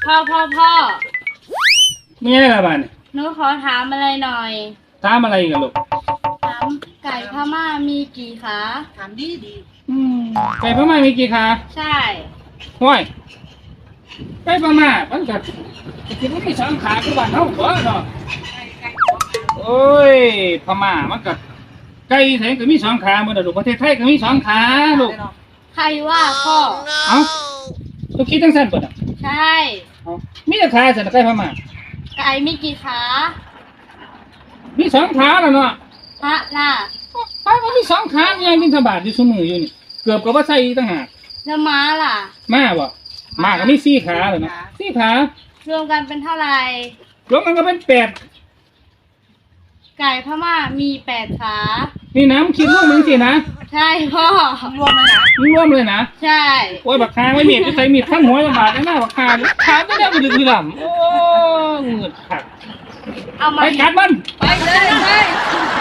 พ่อมีอะไรละบ้านหนูขอถามอะไรหน่อยถามอะไรกันลูกถามไก่พม่ามีกี่ขาถามดีดีไก่พม่ามีกี่ขาใช่ห้วยไก่พม่ามันกัดกินไม่สองขาคือบ้านเฮาบ่เนาะโอ้ยพม่ามันกัดไก่ไทยก็มีสองขาเหมือนกันลูกประเทศไทยก็มีสองขาลูกใครว่าพ่อเอ้าลูกคิดจังซั่นเบิดอ่ะใช่เอ้ามีแต่ขาซั่นไก่พม่าไก่มีกี่ขามีสองขาแล้วเนาะพระล่ะไก่มันมีสองขายังบิณฑบาตอยู่ซุมื้ออยู่นี่เกือบก็บ่ใส่อีกต่างหากแล้วม้าล่ะม้าบ่ม้าก็มีสี่ขาเลยนะสี่ขารวมกันเป็นเท่าไหร่รวมกันก็เป็นแปดไก่พม่ามี8 ขานี่นะมึงคิดรวมมึงสินะใช่พ่อรวมเลยนะมึงรวมเลยนะใช่โอ้ยบักคาไว้เมียจะใส่มีดขั้นหัวจะบาดได้หน้าบักคาขาไม่ได้มันดื้อดำโอ้เงือดขาดเอาไปมากัดมันไปเลยไป